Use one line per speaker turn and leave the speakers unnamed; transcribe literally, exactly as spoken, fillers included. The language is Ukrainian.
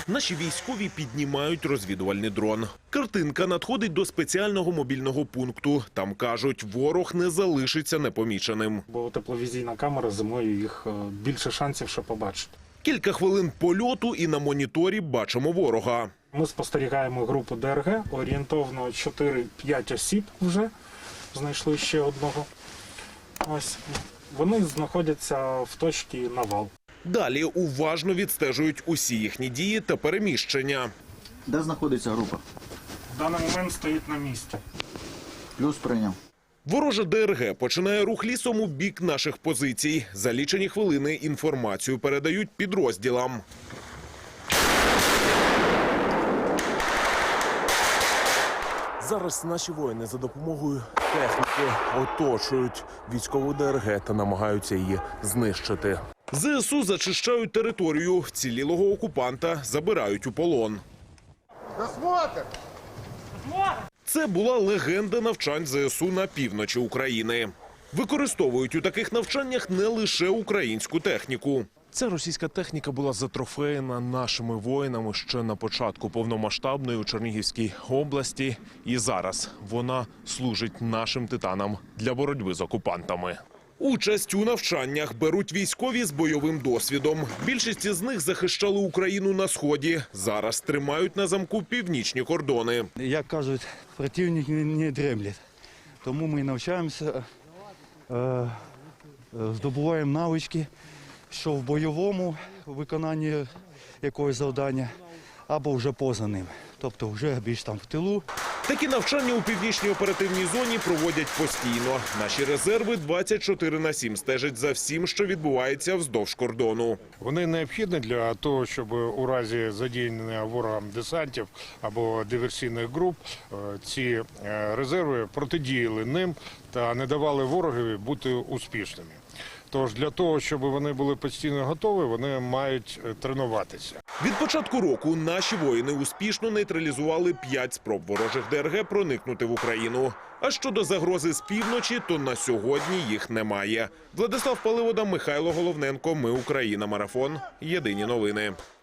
Наші військові піднімають розвідувальний дрон. Картинка надходить до спеціального мобільного пункту. Там кажуть, ворог не залишиться непоміченим.
Бо тепловізійна камера, зимою їх більше шансів ще побачити.
Кілька хвилин польоту і на моніторі бачимо ворога.
Ми спостерігаємо групу ДРГ, орієнтовно чотири-п'ять осіб вже, знайшли ще одного. Ось, вони знаходяться в точці навал.
Далі уважно відстежують усі їхні дії та переміщення.
Де знаходиться група?
В даний момент стоїть на місці.
Плюс прийняв.
Ворожа ДРГ починає рух лісом у бік наших позицій. За лічені хвилини інформацію передають підрозділам.
Зараз наші воїни за допомогою техніки оточують військову ДРГ та намагаються її знищити.
ЗСУ зачищають територію, вцілілого окупанта забирають у полон. Це була легенда навчань ЗСУ на півночі України. Використовують у таких навчаннях не лише українську техніку.
Ця російська техніка була затрофеєна нашими воїнами ще на початку повномасштабної у Чернігівській області. І зараз вона служить нашим титанам для боротьби з окупантами.
Участь у навчаннях беруть військові з бойовим досвідом. Більшість із них захищали Україну на Сході. Зараз тримають на замку північні кордони.
Як кажуть, противник не дремлять. Тому ми навчаємося, е, здобуваємо навички, що в бойовому виконанні якогось завдання, або вже поза ним. Тобто вже більш там в тилу.
Такі навчання у північній оперативній зоні проводять постійно. Наші резерви двадцять чотири на сім стежать за всім, що відбувається вздовж кордону.
Вони необхідні для того, щоб у разі задіяння ворогам десантів або диверсійних груп ці резерви протидіяли ним та не давали ворогові бути успішними. Тож для того, щоб вони були постійно готові, вони мають тренуватися.
Від початку року наші воїни успішно нейтралізували п'ять спроб ворожих ДРГ проникнути в Україну. А щодо загрози з півночі, то на сьогодні їх немає. Владислав Паливода, Михайло Головненко. Ми Україна. Марафон. Єдині новини.